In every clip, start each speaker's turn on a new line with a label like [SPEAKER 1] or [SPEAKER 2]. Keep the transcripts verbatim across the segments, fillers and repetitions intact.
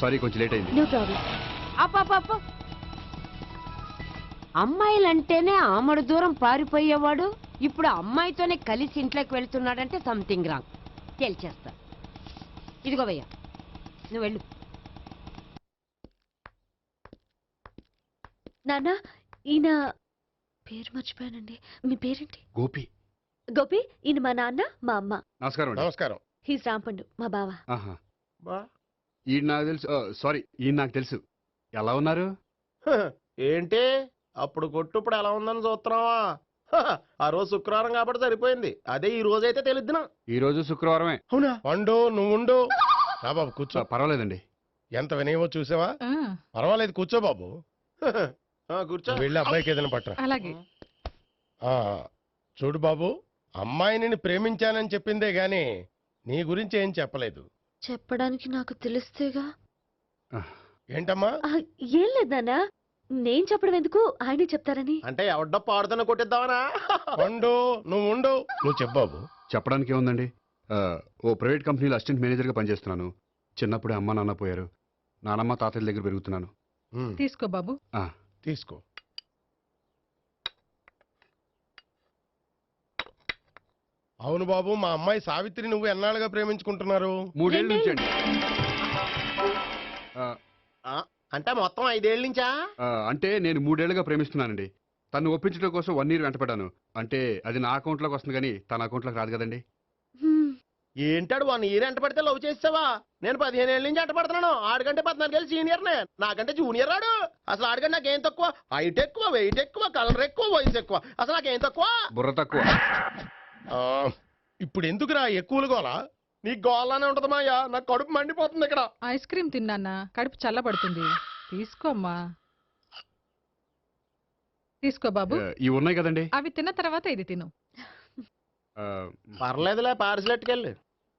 [SPEAKER 1] Sorry కొంచెం late అయింది.
[SPEAKER 2] No problem.
[SPEAKER 3] అప్ప అమ్మాయిలంటేనే ఆమడు దూరం పారిపోయేవాడు ఇప్పుడు అమ్మాయితోనే కలిసి ఇంట్లోకి వెళ్తున్నాడంటే సంథింగ్ రాంగ్. తేల్చేస్తా. ఇదిగో భయ్యా, నువ్వు వెళ్ళు.
[SPEAKER 2] నాన్న, ఈయన పేరు మర్చిపోయానండి. మీ పేరేంటి?
[SPEAKER 1] గోపి.
[SPEAKER 2] గోపి, ఈయన మా నాన్న, మా అమ్మ.
[SPEAKER 1] నమస్కారం.
[SPEAKER 4] నమస్కారం.
[SPEAKER 2] హీస్ రాంపండు, మా బావ.
[SPEAKER 1] ఆహా, ఈయన నాకు తెలుసు. సారీ, ఈయన నాకు తెలుసు. ఎలా ఉన్నారు?
[SPEAKER 4] ఏంటి అప్పుడు కొట్టు ఇప్పుడు ఎలా ఉందని చూస్తున్నావా? ఆ రోజు శుక్రవారం కాబట్టి సరిపోయింది. అదే ఈ రోజు అయితే తెలిద్దునా.
[SPEAKER 1] ఈ రోజు శుక్రవారమే.
[SPEAKER 4] అవునా? వండు నువ్వు ఉండు. రా బాబు కూర్చో.
[SPEAKER 1] పర్వాలేదండి.
[SPEAKER 4] ఎంత వినయమో చూసావా? పర్వాలేదు కూర్చో బాబు. కూర్చో. వెళ్ళి అబ్బాయికి ఏదైనా పట్టరా.
[SPEAKER 5] అలాగే.
[SPEAKER 4] చూడు బాబు, అమ్మాయిని ప్రేమించానని చెప్పిందే గాని నీ గురించి ఏం చెప్పలేదు.
[SPEAKER 2] చెప్పడానికి నాకు తెలిస్తేగా.
[SPEAKER 4] ఏంటమ్మా?
[SPEAKER 2] ఏం లేదు నాన్న, నేను చెప్పడం ఎందుకు, ఆయనే చెప్తారని.
[SPEAKER 4] అంటే ఎవడ్డో పాడుతున్న కొట్టిద్దామనా? ఉండు నువ్వు ఉండు. నువ్వు చెప్పు బాబు.
[SPEAKER 1] చెప్పడానికి ఏముందండి, ఓ ప్రైవేట్ కంపెనీలో అసిస్టెంట్ మేనేజర్గా పనిచేస్తున్నాను. చిన్నప్పుడే అమ్మ నాన్న పోయారు. నానమ్మ తాతయ్య దగ్గర పెరుగుతున్నాను.
[SPEAKER 5] తీసుకో బాబు.
[SPEAKER 4] తీసుకో. అవును బాబు, మా అమ్మాయి సావిత్రి నువ్వు ఎన్నాళ్ళుగా ప్రేమించుకుంటున్నారు?
[SPEAKER 1] మూడేళ్ళ నుంచి అండి.
[SPEAKER 4] అంటే మొత్తం ఐదేళ్ల నుంచా?
[SPEAKER 1] అంటే నేను మూడేళ్లుగా ప్రేమిస్తున్నానండి. తను ఒప్పించడం కోసం వన్ ఇయర్ వెంటపడ్డాను. అంటే అది నా అకౌంట్లోకి వస్తుంది కానీ తన అకౌంట్లోకి రాదు కదండి.
[SPEAKER 4] ఏంటాడు వన్ ఇయర్ ఎంట పడితే లవ్ చేసావా? నేను పదిహేను ఏళ్ళ నుంచి ఎంట పడుతున్నాను. ఆడికంటే పద్నాలుగేళ్ళు సీనియర్ నే, నాకంటే జూనియర్ ఆడు. అసలు ఆడికంటే నాకేం తక్కువ? హైట్ ఎక్కువ, వెయిట్ ఎక్కువ, కలర్ ఎక్కువ, వయసు ఎక్కువ. అసలు నాకేం తక్కువ?
[SPEAKER 1] బుర్ర తక్కువ.
[SPEAKER 4] ఇప్పుడు ఎందుకురా ఎక్కువలు గోలా? నీకు గోలానే ఉంటది మాయా. నాకు కడుపు మండిపోతుంది ఇక్కడ.
[SPEAKER 5] ఐస్ క్రీమ్ తిన్నా, కడుపు చల్లబడుతుంది. తీసుకోమ్మా. తీసుకో బాబు.
[SPEAKER 1] ఇవి ఉన్నాయి కదండి,
[SPEAKER 5] అవి తిన్న తర్వాత ఇది తిను.
[SPEAKER 4] పర్లేదులే, పార్సిల్ ఎట్టుకెళ్ళి.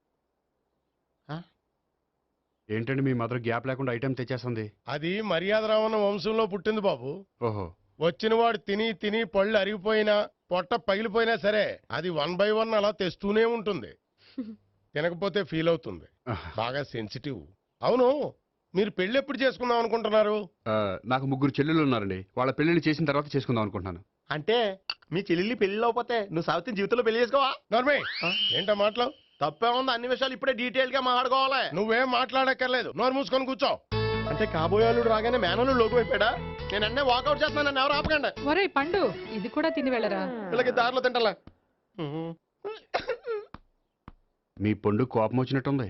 [SPEAKER 1] ఏంటండి మీ మదర్ గ్యాప్ లేకుండా ఐటెం తెచ్చేస్తుంది?
[SPEAKER 4] అది మర్యాద రావణ వంశంలో పుట్టింది బాబు.
[SPEAKER 1] ఓహో.
[SPEAKER 4] వచ్చిన వాడు తిని తిని పళ్ళు అరిగిపోయినా పొట్ట పగిలిపోయినా సరే అది వన్ బై వన్ అలా తెస్తూనే ఉంటుంది. తినకపోతే ఫీల్ అవుతుంది. బాగా సెన్సిటివ్. అవును, మీరు పెళ్లి ఎప్పుడు చేసుకుందాం అనుకుంటున్నారు?
[SPEAKER 1] నాకు ముగ్గురు చెల్లెళ్ళు ఉన్నారండి. వాళ్ళ పెళ్లిళ్ళు చేసిన తర్వాత చేసుకుందాం అనుకుంటున్నాను.
[SPEAKER 4] అంటే మీ చెల్లెల్ని పెళ్లి లేకపోతే నువ్వు సావిత్రి జీవితంలో పెళ్లి చేసుకోవా? నర్మే, ఏంటో మాటలు తప్పే ఉంది. అన్ని విషయాలు ఇప్పుడే డీటెయిల్ గా మాట్లాడుకోవాలి. నువ్వేం మాట్లాడక్కర్లేదు, నోరు మూసుకొని కూర్చో. అంటే కాబోయేవాళ్ళు రాగానే మేనలు లోటు అయిపోయాడా? నేను అన్నీ వాకౌట్ చేస్తున్నాను, నన్ను ఎవరు ఆపకండి.
[SPEAKER 5] ఒరే పండు, ఇది కూడా తిని వెళ్ళరా.
[SPEAKER 4] వీళ్ళకి దారిలో తింటలే.
[SPEAKER 1] మీ పండు కోపం వచ్చినట్టుంది.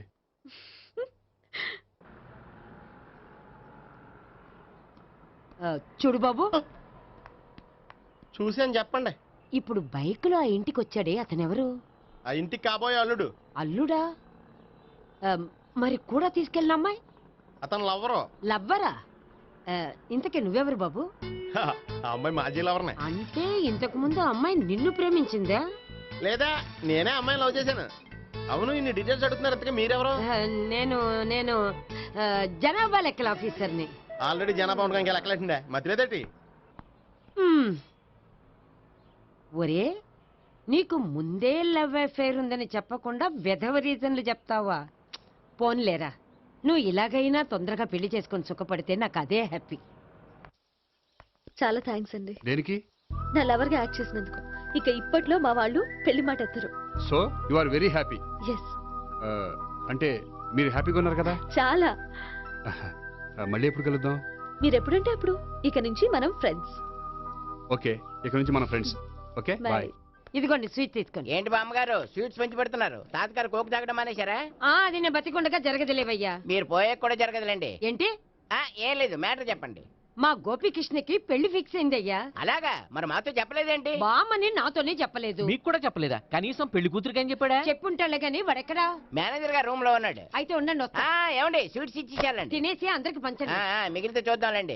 [SPEAKER 3] చూడు బాబు,
[SPEAKER 4] చూసి అని చెప్పండి.
[SPEAKER 3] ఇప్పుడు బైక్ లో ఆ ఇంటికి వచ్చాడే అతనెవరు?
[SPEAKER 4] ఆ ఇంటికి కాబోయే అల్లుడు.
[SPEAKER 3] అల్లుడా? మరి కూడా తీసుకెళ్ళిన అమ్మాయి?
[SPEAKER 4] అతను లవ్వరు.
[SPEAKER 3] లవ్వరా? ఇంతకీ నువ్వెవరు బాబు?
[SPEAKER 4] ఆ అమ్మాయి మాజీ లవర్నే.
[SPEAKER 3] అంటే ఇంతకు ముందు అమ్మాయి నిన్ను ప్రేమించిందా?
[SPEAKER 4] లేదా నేనే అమ్మాయిని లవ్ చేశాను. అవును, ఇన్ని డీటెయిల్స్ అడుగుతున్నారు. ఇంతకీ మీరెవరు?
[SPEAKER 3] నేను నేను జనాభా లెక్కల ఆఫీసర్ని.
[SPEAKER 4] ఆల్రెడీ జనాభా ఉండగా ఇంకా లెక్కలేటండే మధ్యలేదేటి?
[SPEAKER 3] ఒరే, నీకు ముందే లవ్ అఫైర్ ఉందని చెప్పకుండా వెధవ రీజన్లు చెప్తావా? పోన్లేరా, నువ్వు ఇలాగైనా తొందరగా పెళ్లి చేసుకొని సుఖపడితే నాకు అదే హ్యాపీ.
[SPEAKER 2] చాలా థ్యాంక్స్ అండి.
[SPEAKER 1] దేనికి?
[SPEAKER 2] నా లవర్ గా యాక్ట్ చేసినందుకు. ఇక ఇప్పట్లో మా వాళ్ళు పెళ్లి మాట ఎత్తరు.
[SPEAKER 1] So you are very happy.
[SPEAKER 2] Yes.
[SPEAKER 1] అంటే మీరు హ్యాపీగా ఉన్నారు కదా?
[SPEAKER 2] చాలా.
[SPEAKER 1] మళ్ళీ ఎప్పుడు కలుద్దాం?
[SPEAKER 2] మీరు ఎప్పుడంటే అప్పుడు. ఇక నుంచి మనం ఫ్రెండ్స్.
[SPEAKER 1] ఓకే, ఇక నుంచి మనం ఫ్రెండ్స్. Okay, bye.
[SPEAKER 3] ఇదిగోండి స్వీట్ తీసుకోండి.
[SPEAKER 6] ఏంటి బామ్మగారు స్వీట్స్ పెంచి పెడుతున్నారు? తాతగారు కోక్ తాగడం మానేశారా?
[SPEAKER 3] అది నేను బతికుండగా జరగదులేవయ్యా.
[SPEAKER 6] మీరు పోయే కూడా జరగదులేండి.
[SPEAKER 3] ఏంటి?
[SPEAKER 6] ఏం లేదు, మ్యాటర్ చెప్పండి.
[SPEAKER 3] మా గోపికృష్ణకి పెళ్లి ఫిక్స్ అయిందయ్యా.
[SPEAKER 6] అలాగా? మరి మాతో చెప్పలేదేంటి?
[SPEAKER 3] బామ్మని నాతోనే చెప్పలేదు.
[SPEAKER 7] మీకు కూడా చెప్పలేదా? కనీసం పెళ్లి కూతురికి అని చెప్పాడా?
[SPEAKER 3] చెప్పుంటాలే గాని వాడెక్కడా?
[SPEAKER 6] మేనేజర్ గారు రూమ్ లో ఉన్నాడు.
[SPEAKER 3] అయితే ఉండండి, వస్తా.
[SPEAKER 6] ఏమండి స్వీట్స్ ఇచ్చేసాలండి.
[SPEAKER 3] తినేసి అందరికి పంచండి.
[SPEAKER 6] మిగిలితే చూద్దాంలేండి.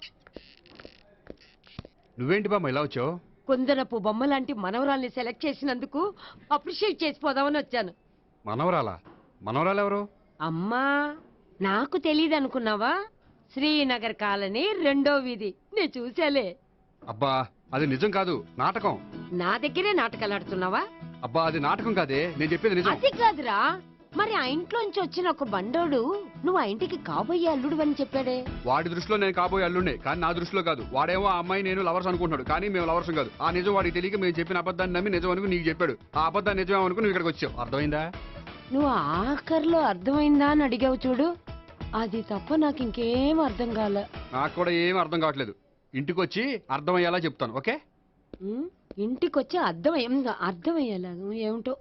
[SPEAKER 1] నువ్వేంటి బామ్మ ఇలా వచ్చావు?
[SPEAKER 3] కుందనపు బొమ్మ లాంటి మనవరాల్ని సెలెక్ట్ చేసినందుకు అప్రిషియేట్ చేసిపోదామని వచ్చాను.
[SPEAKER 1] మనవరాలా? మనవరాలు ఎవరు?
[SPEAKER 3] అమ్మా, నాకు తెలియదు అనుకున్నావా? శ్రీనగర్ కాలనీ రెండో వీధి. నేను చూసాలే.
[SPEAKER 1] అబ్బా, అది నిజం కాదు, నాటకం.
[SPEAKER 3] నా దగ్గరే నాటకాలు ఆడుతున్నావా?
[SPEAKER 1] అబ్బా, అది నాటకం కాదే, నేను చెప్పేది నిజం.
[SPEAKER 3] అది కాదురా, మరి ఆ ఇంట్లోంచి వచ్చిన ఒక బండోడు నువ్వు ఆ ఇంటికి కాబోయే అల్లుడు అని చెప్పాడే.
[SPEAKER 1] వాడి దృష్టిలో నేను కాబోయే అల్లుండే, కానీ నా దృష్టిలో కాదు. వాడేమో ఆ అమ్మాయి నేను లవర్స్ అనుకుంటున్నాడు, కానీ మేము లవర్స్ కాదు. ఆ నిజం వాడికి తెలియక మేము చెప్పిన అబద్ధాన్ని నమ్మి నిజం అనుకుని నీకు చెప్పాడు. ఆ అబద్ధాన్ని నిజం అనుకుని నువ్వు ఇక్కడికి వచ్చావు. అర్థమైందా?
[SPEAKER 3] నువ్వు ఆఖరిలో అర్థమైందా అని అడిగావు చూడు, అది తప్ప నాకు ఇంకేం అర్థం కాలే.
[SPEAKER 1] నాకు కూడా ఏం అర్థం కావట్లేదు. ఇంటికి వచ్చి అర్థమయ్యేలా చెప్తాను, ఓకే?
[SPEAKER 3] ఉమ్, ఇంటికొచ్చి అర్థం ఏం అర్థమయ్యేలా ఏమిటో.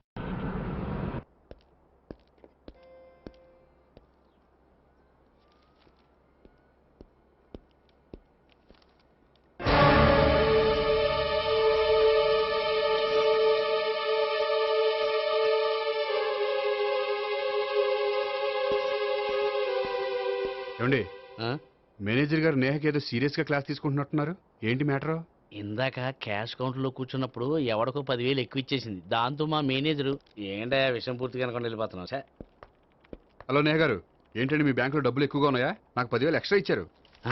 [SPEAKER 1] ఏమండి,
[SPEAKER 8] ఆ?
[SPEAKER 1] మేనేజర్ గారు నేహకి ఏదో సీరియస్ గా క్లాస్ తీసుకుంటున్నట్టున్నారు. ఏంటి మ్యాటర్?
[SPEAKER 8] ఇందాక క్యాష్ కౌంటర్లో కూర్చున్నప్పుడు ఎవడికో పదివేలు ఎక్కువ ఇచ్చేసింది. దాంతో మా మేనేజరు ఏంటా విషయం పూర్తిగా అనుకోండి వెళ్ళిపోతున్నాం సార్.
[SPEAKER 1] హలో నేహ గారు, ఏంటండి మీ బ్యాంకులో డబ్బులు ఎక్కువగా ఉన్నాయా? నాకు పదివేలు ఎక్స్ట్రా ఇచ్చారు.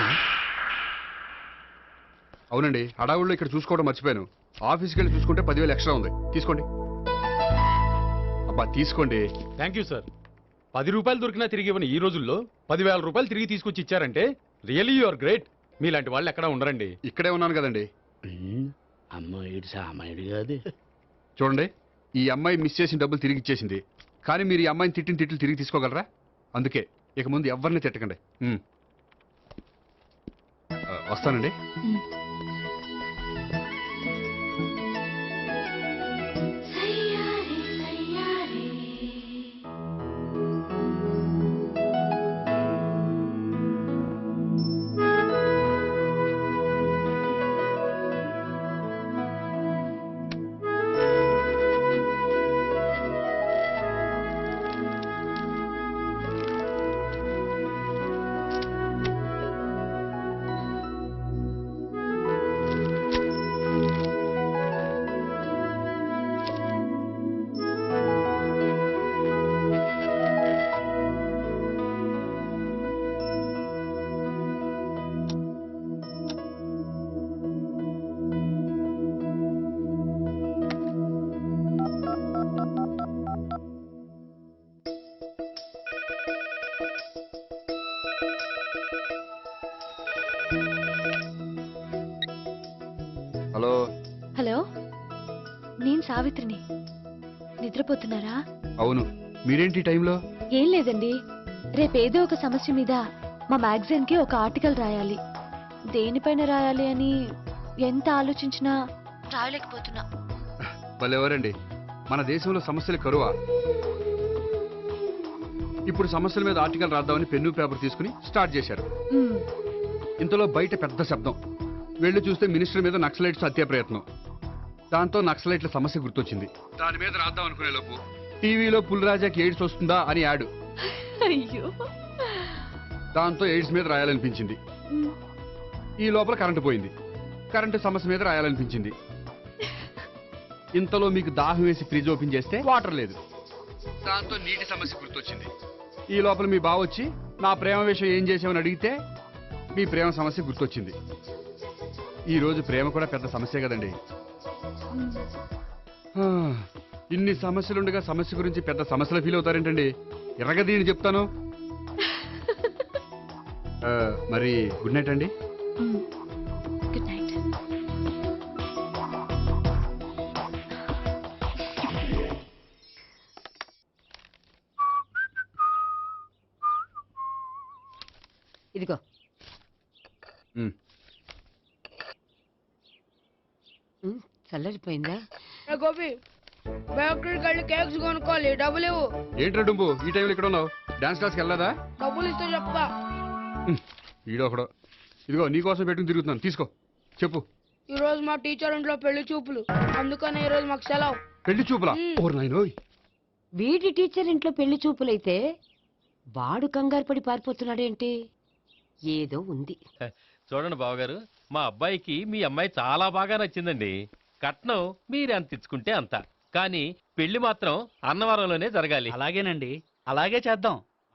[SPEAKER 1] అవునండి, హడావుల్లో ఇక్కడ చూసుకోవడం మర్చిపోయాను. ఆఫీస్కి వెళ్ళి చూసుకుంటే పదివేలు ఎక్స్ట్రా ఉంది. తీసుకోండి. అబ్బా తీసుకోండి.
[SPEAKER 9] Thank you sir. పది రూపాయలు దొరికినా తిరిగి ఇవ్వని ఈ రోజుల్లో పదివేల రూపాయలు తిరిగి తీసుకొచ్చి ఇచ్చారంటే రియలీ యు ఆర్ గ్రేట్. మీలాంటి వాళ్ళు ఎక్కడా ఉండరండి.
[SPEAKER 1] ఇక్కడే ఉన్నాను కదండి.
[SPEAKER 8] అమ్మ ఇటు సామాయుడు కాదు.
[SPEAKER 1] చూడండి, ఈ అమ్మాయి మిస్ చేసిన డబ్బులు తిరిగి ఇచ్చేసింది, కానీ మీరు ఈ అమ్మాయిని తిట్టిన తిట్లు తిరిగి తీసుకోగలరా? అందుకే ఇక ముందు ఎవరిని తిట్టకండి. ఉమ్. ఆ, వస్తానండి. హలో
[SPEAKER 2] హలో, నేను సావిత్రిని. నిద్రపోతున్నారా?
[SPEAKER 1] అవును, మీరేంటి ఈ టైంలో?
[SPEAKER 2] ఏం లేదండి, రేపేదో ఒక సమస్య మీద మా మ్యాగజైన్ కి ఒక ఆర్టికల్ రాయాలి. దేనిపైన రాయాలి అని ఎంత ఆలోచించినా రాయలేకపోతున్నా.
[SPEAKER 1] వాళ్ళెవరండి, మన దేశంలో సమస్యలు కరువా? ఇప్పుడు సమస్యల మీద ఆర్టికల్ రాద్దామని పెన్ను పేపర్ తీసుకుని స్టార్ట్ చేశారు.
[SPEAKER 2] మ్మ్.
[SPEAKER 1] ఇంతలో బయట పెద్ద శబ్దం. వెళ్ళి చూస్తే మినిస్టర్ మీద నక్సలైట్స్ హత్య ప్రయత్నం. దాంతో నక్సలైట్ల సమస్య గుర్తొచ్చింది. దాని మీద రాద్దాం అనుకునే లోపు టీవీలో పుల్రాజాకి ఎయిడ్స్ వస్తుందా అని యాడ్.
[SPEAKER 2] అయ్యో.
[SPEAKER 1] దాంతో ఎయిడ్స్ మీద రాయాలనిపించింది.
[SPEAKER 2] మ్మ్.
[SPEAKER 1] ఈ లోపల కరెంటు పోయింది. కరెంటు సమస్య మీద రాయాలనిపించింది. ఇంతలో మీకు దాహం వేసి ఫ్రిడ్జ్ ఓపెన్ చేస్తే వాటర్ లేదు. దాంతో నీటి సమస్య గుర్తొచ్చింది. ఈ లోపల మీ బావ వచ్చి నా ప్రేమ విషయం ఏం చేసామని అడిగితే మీ ప్రేమ సమస్య గుర్తొచ్చింది. ఈ రోజు ప్రేమ కూడా పెద్ద సమస్య కదండి. ఆ, ఇన్ని సమస్యలుండగా సమస్య గురించి పెద్ద సమస్యలు ఫీల్ అవుతారేంటండి? ఎర్రగదీని చెప్తాను. ఆ, మరి గుడ్ నైట్ అండి.
[SPEAKER 2] మ్మ్. Good night.
[SPEAKER 3] ఇదిగో.
[SPEAKER 1] మ్మ్.
[SPEAKER 3] ఉమ్, చల్లరిపోయిందా?
[SPEAKER 10] గోపి బేకరీకి వెళ్ళి కేక్స్ కొనుక్కోవాలి, డబ్బులు ఇవ్వు.
[SPEAKER 1] ఏంట్రా డుంబు ఈ టైంలో ఇక్కడ ఉన్నావు? డాన్స్ క్లాస్కి వెళ్ళదా?
[SPEAKER 10] డబ్బులు ఇస్తే చెప్తా.
[SPEAKER 1] ఈడో ఒకడో. ఇదిగో నీకోసం పెట్టుకుని తిరుగుతున్నాను, తీసుకో. చెప్పు.
[SPEAKER 10] ఈ రోజు మా టీచర్ ఇంట్లో పెళ్లి చూపులు, అందుకని ఈ రోజు మాకు సెలవు.
[SPEAKER 1] పెళ్లి చూపులా?
[SPEAKER 10] మ్మ్.
[SPEAKER 1] ఓర్ నాయనోయ్.
[SPEAKER 3] వీడి టీచర్ ఇంట్లో పెళ్లి చూపులైతే వాడు కంగారు పడి పారిపోతున్నాడేంటి? ఏదో ఉంది.
[SPEAKER 9] చూడండి బావగారు, మా అబ్బాయికి మీ అమ్మాయి చాలా బాగా నచ్చిందండి. కట్నం మీరు ఎంత ఇచ్చుకుంటే అంత, కానీ పెళ్లి మాత్రం అన్నవరంలోనే జరగాలి.
[SPEAKER 7] అలాగేనండి, అలాగే చేద్దాం.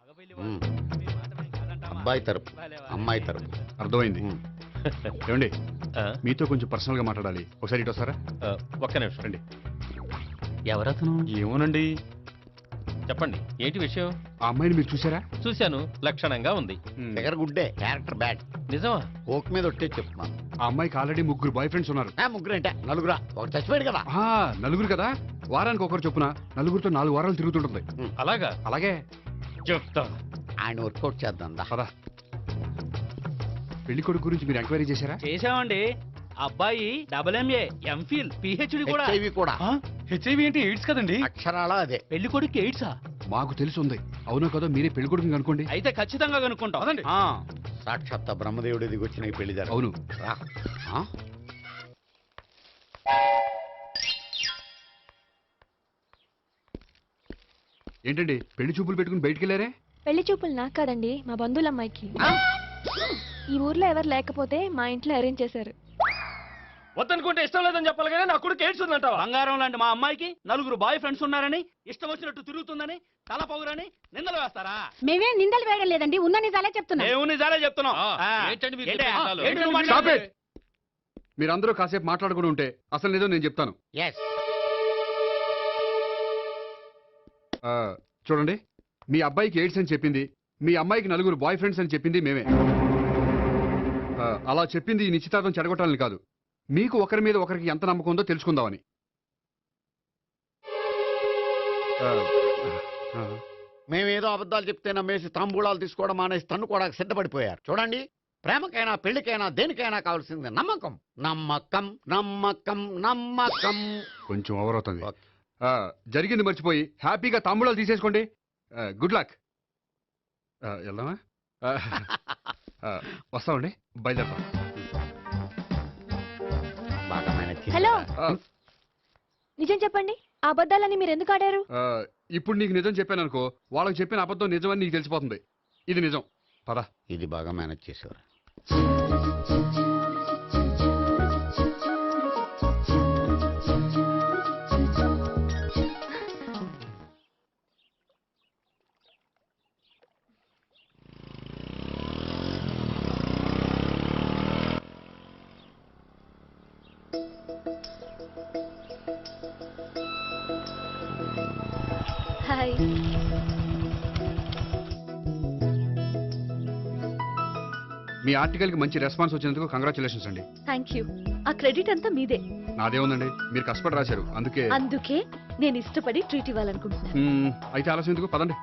[SPEAKER 8] అబ్బాయి తరపు అమ్మాయి తరపు.
[SPEAKER 1] అర్థమైంది. ఏమండి,
[SPEAKER 9] ఆ,
[SPEAKER 1] మీతో కొంచెం పర్సనల్ గా మాట్లాడాలి. ఒకసారి ఇటు వస్తారా?
[SPEAKER 9] ఆ, ఒక్క నిమిషం.
[SPEAKER 1] రండి.
[SPEAKER 7] ఎవరతను?
[SPEAKER 1] ఏమోనండి,
[SPEAKER 9] చెప్పండి ఏంటి విషయం?
[SPEAKER 1] ఆ అమ్మాయిని మీరు చూసారా?
[SPEAKER 9] చూశాను, లక్షణంగా ఉంది.
[SPEAKER 1] ఉమ్.
[SPEAKER 4] దగ్గర గుడ్డే క్యారెక్టర్ బ్యాడ్.
[SPEAKER 9] నిజమా?
[SPEAKER 4] ఓక్ మీద ఒట్టే చెప్తున్నాను.
[SPEAKER 1] ఆ అమ్మాయికి ఆల్రెడీ ముగ్గురు బాయ్ ఫ్రెండ్స్ ఉన్నారు.
[SPEAKER 4] ఆ, ముగ్గురు అంటే నలుగురా, ఒక చచ్చిపోయాడు కదా.
[SPEAKER 1] ఆ, నలుగురు కదా, వారానికి ఒకరు చొప్పున నలుగురితో నాలుగు వారాలు తిరుగుతుంటుంది.
[SPEAKER 9] అలాగా?
[SPEAKER 1] అలాగే.
[SPEAKER 9] చెప్తా.
[SPEAKER 4] ఆయన వర్కౌట్ చేద్దాం దా.
[SPEAKER 1] పదా. పెళ్లి కొడుకు గురించి మీరు ఎంక్వైరీ చేశారా?
[SPEAKER 7] చేసామండి. అబ్బాయి డబుల్ ఎంఏ, ఎంఫిల్, పిహెచ్డి కూడా.
[SPEAKER 4] హెచ్ఐవి కూడా.
[SPEAKER 7] హెచ్ఐవి అంటే ఎయిడ్స్ కదండి.
[SPEAKER 4] అక్షరాలా అదే.
[SPEAKER 7] పెళ్లి కొడుకు ఎయిడ్సా?
[SPEAKER 1] మాకు తెలిసి ఉంది. అవునో కదా, మీరే పెళ్లి కొడుకుని అనుకోండి.
[SPEAKER 7] అయితే ఖచ్చితంగా కనుక్కుంటాం. అదండి.
[SPEAKER 4] సాక్షాత్ బ్రహ్మదేవుడి దిగి వచ్చిన ఈ పెళ్లి జరగదు.
[SPEAKER 1] అవును.
[SPEAKER 4] రా. ఆ?
[SPEAKER 1] ఏంటండి పెళ్లి చూపులు పెట్టుకుని బయటికి వెళ్ళారే?
[SPEAKER 2] పెళ్లి చూపులు నాకు కాదండి, మా బంధువుల అమ్మాయికి. ఈ ఊర్లో ఎవరు లేకపోతే మా ఇంట్లో అరేంజ్ చేశారు.
[SPEAKER 7] వద్దనుకుంటే ఇష్టం లేదని చెప్పాలి కానీ నా కొడుకు ఎయిడ్స్ ఉందంటావా? బంగారం లాంటి మా అమ్మాయికి నలుగురు బాయ్ ఫ్రెండ్స్ ఉన్నారని, ఇష్టం వచ్చినట్టు తిరుగుతుందని, తల పౌరని నిందలు వేస్తారా?
[SPEAKER 3] మేమేం నిందలు వేయడం లేదండి, ఉన్న నిజాలే చెప్తున్నా.
[SPEAKER 7] మేము నిజాలే చెప్తున్నాం.
[SPEAKER 9] ఆ,
[SPEAKER 7] ఆ,
[SPEAKER 9] ఏంటండి మీరు
[SPEAKER 7] ఏంటి?
[SPEAKER 9] చెప్పే నిజాలు?
[SPEAKER 7] ఏంటి నువ్వు
[SPEAKER 1] Stop
[SPEAKER 7] మాట్లాడేది?
[SPEAKER 1] it! మీరందరూ కాసేపు మాట్లాడుకుని ఉంటే అసలు నిజం నేను చెప్తాను.
[SPEAKER 4] Yes.
[SPEAKER 1] ఆ, చూడండి, మీ అబ్బాయికి ఎయిడ్స్ అని చెప్పింది, మీ అమ్మాయికి నలుగురు బాయ్ ఫ్రెండ్స్ అని చెప్పింది మేమే. ఆ, అలా చెప్పింది ఈ నిశ్చితార్థం చెడగొట్టాలని కాదు, మీకు ఒకరి మీద ఒకరికి ఎంత నమ్మకం ఉందో తెలుసుకుందామని. ఆ, ఆ,
[SPEAKER 4] మేమేదో అబద్ధాలు చెప్తే నమ్మేసి తాంబూలాలు తీసుకోవడం మానేసి తన్ను కూడా సిద్ధపడిపోయారు. చూడండి, ప్రేమకైనా పెళ్లికైనా దేనికైనా కావాల్సింది నమ్మకం. నమ్మకం నమ్మకం నమ్మకం.
[SPEAKER 1] కొంచెం ఓవర్ అవుతుంది.
[SPEAKER 4] ఓకే.
[SPEAKER 1] ఆ, జరిగింది మర్చిపోయి హ్యాపీగా తాంబూలాలు తీసేసుకోండి. Good luck. వెళ్దామా? ఆ, ఆ, వస్తామండి, బయలుదేరతాం.
[SPEAKER 4] బాగా మేనేజ్ చేశారా?
[SPEAKER 2] హలో,
[SPEAKER 1] ఆ,
[SPEAKER 2] నిజం చెప్పండి, ఆ అబద్ధాలని మీరు ఎందుకు ఆడారు?
[SPEAKER 1] ఆ, ఇప్పుడు నీకు నిజం చెప్పాను అనుకో, వాళ్ళకి చెప్పిన అబద్ధం నిజమని నీకు తెలిసిపోతుంది. ఇది నిజం. పదా.
[SPEAKER 4] ఇది బాగా మేనేజ్ చేసేవారు.
[SPEAKER 2] హాయ్.
[SPEAKER 1] మీ ఆర్టికల్కి మంచి రెస్పాన్స్ వచ్చినందుకు కంగ్రాచులేషన్స్ అండి.
[SPEAKER 2] Thank you. ఆ క్రెడిట్ అంతా మీదే.
[SPEAKER 1] నాదే ఉందండి, మీరు కష్టపడి రాశారు అందుకే.
[SPEAKER 2] అందుకే నేను ఇష్టపడి ట్రీట్ ఇవ్వాలనుకుంటున్నాను.
[SPEAKER 1] మ్మ్, అయితే ఆలస్యం ఎందుకు, పదండి.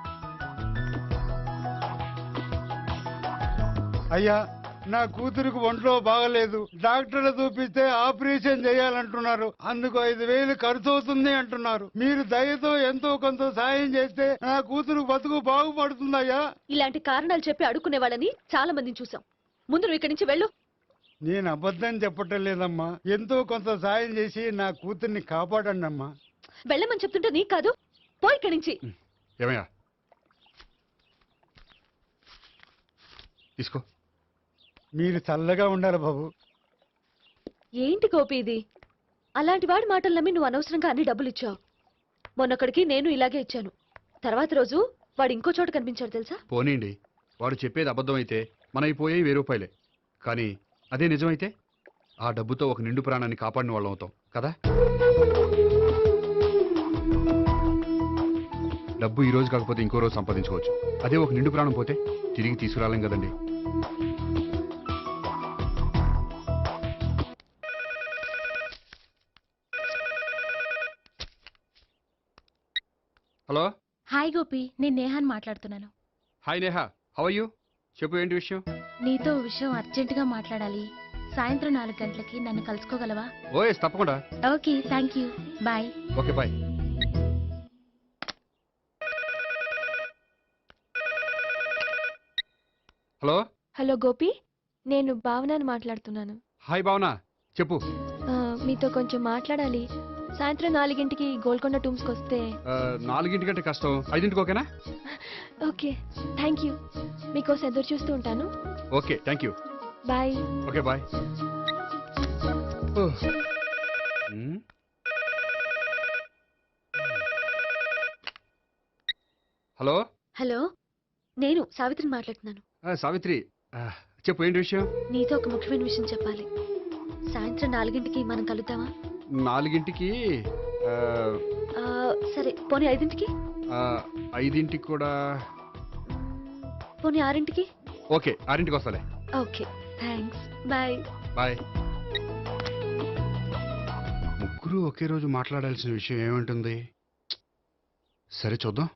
[SPEAKER 11] అయ్యా, నా కూతురికి ఒంట్లో బాగలేదు, డాక్టర్లు చూపిస్తే ఆపరేషన్ చేయాలంటున్నారు. అందుకు ఐదు వేలు ఖర్చు అవుతుంది అంటున్నారు. మీరు దయతో ఎంతో కొంత సాయం చేస్తే నా కూతురు బతుకు బాగుపడుతుందయ్యా.
[SPEAKER 2] ఇలాంటి కారణాలు చెప్పి అడుక్కునే వాళ్ళని చాలా మందిని చూసాం. ముందు నువ్వు ఇక్కడి నుంచి వెళ్ళు.
[SPEAKER 11] నేను అబద్ధం చెప్పటం లేదమ్మా, ఎంతో కొంత సాయం చేసి నా కూతుర్ని కాపాడండి అమ్మా.
[SPEAKER 2] వెళ్ళమని చెప్తుంటే నీకు కాదు, పో ఇక్కడి నుంచి.
[SPEAKER 1] ఏమయ్యా, తీసుకో.
[SPEAKER 11] మీరు చల్లగా ఉండాలి బాబు.
[SPEAKER 2] ఏంటి గోపి ఇది? అలాంటి వాడి మాటలు నమ్మి నువ్వు అనవసరంగా అన్ని డబ్బులు ఇచ్చావు. మొన్నొక్కడికి నేను ఇలాగే ఇచ్చాను. తర్వాత రోజు వాడు ఇంకో చోట కనిపించాడు తెలుసా?
[SPEAKER 1] పోనీండి, వాడు చెప్పేది అబద్ధం అయితే మనైపోయాయి వెయ్యి రూపాయలే. కానీ అదే నిజమైతే ఆ డబ్బుతో ఒక నిండు ప్రాణాన్ని కాపాడిన వాళ్ళం అవుతాం కదా. డబ్బు ఈ రోజు కాకపోతే ఇంకో రోజు సంపాదించుకోవచ్చు. అదే ఒక నిండు ప్రాణం పోతే తిరిగి తీసుకురాలేం కదండి. హలో.
[SPEAKER 2] హాయ్ గోపి, నేను నేహాన్ మాట్లాడుతున్నాను.
[SPEAKER 1] Hi Neha, how are you? చెప్పు, ఏంటి విషయం?
[SPEAKER 2] నీతో విషయం అర్జెంటుగా మాట్లాడాలి. సాయంత్రం నాలుగు గంటలకి నన్ను కలుసుకోగలవా?
[SPEAKER 1] ఓ ఎస్, తప్పకుండా.
[SPEAKER 2] Okay, thank you, bye.
[SPEAKER 1] Okay, bye. Hello.
[SPEAKER 2] Hello Gopi, నేను భావనని మాట్లాడుతున్నాను.
[SPEAKER 1] హాయ్ భావన, చెప్పు.
[SPEAKER 2] ఆ, మీతో కొంచెం మాట్లాడాలి. సాయంత్రం నాలుగింటికి గోల్కొండ టూమ్స్కి వస్తే.
[SPEAKER 1] ఆ, నాలుగింటికంటే కష్టం, ఐదింటికి ఓకేనా?
[SPEAKER 2] Okay, thank you. మీకోసం ఎదురు చూస్తూ ఉంటాను.
[SPEAKER 1] Okay, thank you.
[SPEAKER 2] Bye.
[SPEAKER 1] Okay, bye. Hmm. Hello.
[SPEAKER 2] Hello, నేను సావిత్రిని మాట్లాడుతున్నాను.
[SPEAKER 1] ఆ, సావిత్రి, ఆ, చెప్పు, ఏంటి విషయం?
[SPEAKER 2] నీతో ఒక ముఖ్యమైన విషయం చెప్పాలి. సాయంత్రం నాలుగింటికి మనం కలుద్దామా?
[SPEAKER 1] నాలుగింటికి? ఆ,
[SPEAKER 2] ఆ, సరే, పోనీ ఐదింటికి.
[SPEAKER 1] ఆ, ఐదింటికి కూడా
[SPEAKER 2] పోనీ ఆరింటికి?
[SPEAKER 1] ఓకే, ఆరింటికి వస్తాలే.
[SPEAKER 2] Okay, thanks. బాయ్.
[SPEAKER 1] బాయ్. ముగ్గురు ఒకే రోజు మాట్లాడాల్సిన విషయం ఏముంటుంది? సరే చూద్దాం.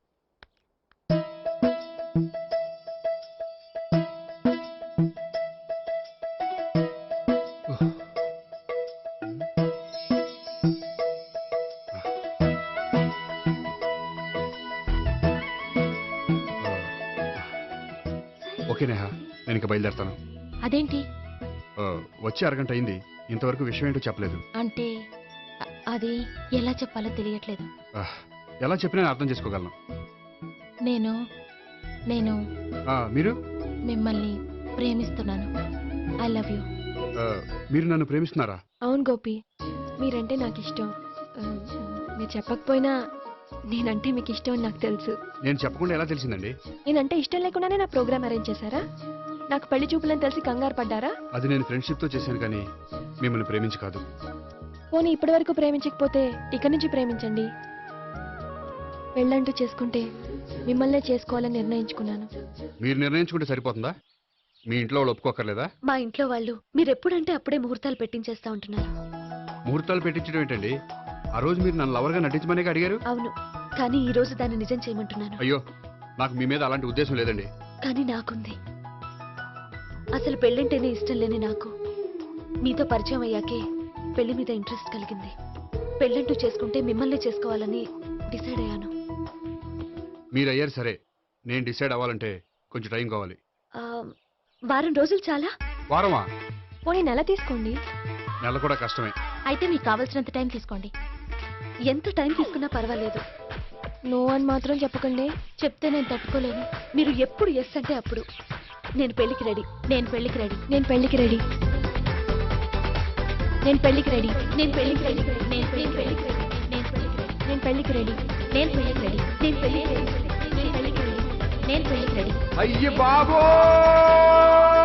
[SPEAKER 1] ఓకే నేహా, నేను ఇక బయలుదేరుతాను.
[SPEAKER 2] అదేంటి?
[SPEAKER 1] ఆ, వచ్చి అరగంట అయింది, ఇంతవరకు విషయం ఏంటో చెప్పలేదు.
[SPEAKER 2] అంటే అది ఎలా చెప్పాలో తెలియట్లేదు.
[SPEAKER 1] ఆ, ఎలా చెప్పినా నేను అర్థం చేసుకోగలను.
[SPEAKER 2] నేను నేను
[SPEAKER 1] ఆ, మీరు
[SPEAKER 2] మిమ్మల్ని ప్రేమిస్తున్నాను. I love you.
[SPEAKER 1] ఆ, మీరు నన్ను ప్రేమిస్తున్నారా?
[SPEAKER 2] అవును గోపి, మీరంటే నాకు ఇష్టం. మీరు చెప్పకపోయినా నేనంటే మీకు ఇష్టం అని నాకు తెలుసు.
[SPEAKER 1] నేను చెప్పకుండా ఎలా తెలిసిందండి?
[SPEAKER 2] నేనంటే ఇష్టం లేకుండానే నా ప్రోగ్రామ్ అరేంజ్ చేశారా? నాకు పెళ్లి చూపులని తెలిసి కంగారు పడ్డారా?
[SPEAKER 1] అది నేను ఫ్రెండ్షిప్ తో చేశాను కానీ మిమ్మల్ని ప్రేమించి కాదు.
[SPEAKER 2] పోనీ ఇప్పటి వరకు ప్రేమించకపోతే ఇక నుంచి ప్రేమించండి. పెళ్ళంటూ చేసుకుంటే మిమ్మల్నే చేసుకోవాలని నిర్ణయించుకున్నాను.
[SPEAKER 1] మీరు నిర్ణయించుకుంటే సరిపోతుందా? మీ ఇంట్లో వాళ్ళు ఒప్పుకోకర్లేదా?
[SPEAKER 2] మా ఇంట్లో వాళ్ళు మీరు ఎప్పుడంటే అప్పుడే ముహూర్తాలు పెట్టించేస్తా ఉంటున్నారు.
[SPEAKER 1] ముహూర్తాలు పెట్టించడం ఏంటండి? ఆ రోజు మీరు నన్ను లవర్గా నటించమనే అడిగారు.
[SPEAKER 2] అవును, కానీ ఈ రోజు దాన్ని నిజం చేయమంటున్నాను.
[SPEAKER 1] అయ్యో, నాకు మీ మీద అలాంటి ఉద్దేశం లేదండి.
[SPEAKER 2] కానీ నాకుంది. అసలు పెళ్ళంటేనే ఇష్టం లేని నాకు మీతో పరిచయం అయ్యాకే పెళ్లి మీద ఇంట్రెస్ట్ కలిగింది. పెళ్ళంటూ చేసుకుంటే మిమ్మల్ని చేసుకోవాలని డిసైడ్ అయ్యాను.
[SPEAKER 1] మీరు అయ్యారు సరే, నేను డిసైడ్ అవ్వాలంటే కొంచెం టైం కావాలి.
[SPEAKER 2] ఆ, వారం రోజులు చాలా?
[SPEAKER 1] వారమా?
[SPEAKER 2] పోనీ నెల తీసుకోండి.
[SPEAKER 1] నెల కూడా కష్టమే.
[SPEAKER 2] అయితే మీకు కావాల్సినంత టైం తీసుకోండి. ఎంత టైం తీసుకున్నా పర్వాలేదు. నో అని మాత్రం చెప్పకండి. చెప్తే నేను తట్టుకోలేను. మీరు ఎప్పుడు ఎస్ అంటే అప్పుడు. నేను పెళ్లికి రెడీ. నేను పెళ్లికి రెడీ. నేను పెళ్లికి రెడీ. నేను పెళ్లికి రెడీ. నేను పెళ్లికి రెడీ. నేను పెళ్లికి రెడీ. నేను పెళ్లికి రెడీ. నేను పెళ్లికి రెడీ. నేను పెళ్లికి రెడీ. నేను పెళ్లికి రెడీ. నేను పెళ్లికి రెడీ.
[SPEAKER 1] అయ్య బాబో!